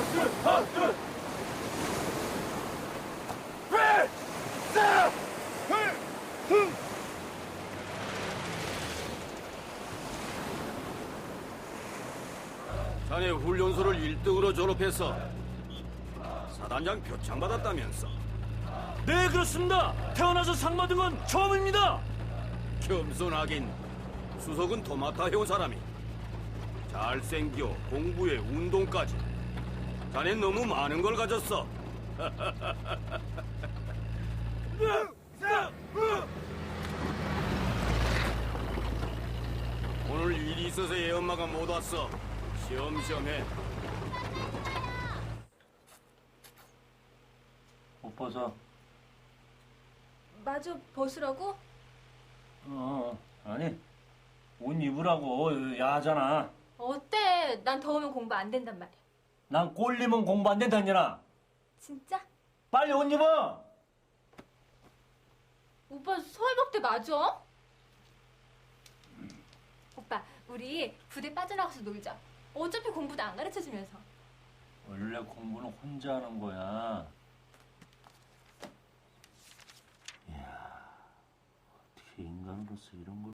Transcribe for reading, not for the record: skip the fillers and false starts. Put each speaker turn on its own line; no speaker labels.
자네 훈련소를 1등으로 졸업해서 사단장 표창 받았다면서?
네, 그렇습니다. 태어나서 상 받은 건 처음입니다.
겸손하긴. 수석은 도맡아 해온 사람이 잘생겨 공부에 운동까지. 자넨 너무 많은 걸 가졌어. 오늘 일이 있어서 애 엄마가 못 왔어. 시험시험해.
옷 벗어.
마저 벗으라고?
아니, 옷 입으라고. 야하잖아.
어때? 난 더우면 공부 안 된단 말이야.
난 꼴리면 공부 안 된다니라.
진짜?
빨리 옷 입어.
오빠 서울복대 맞아? 오빠, 우리 부대 빠져나가서 놀자. 어차피 공부도 안 가르쳐주면서.
원래 공부는 혼자 하는 거야. 이야, 어떻게 인간으로서 이런 걸.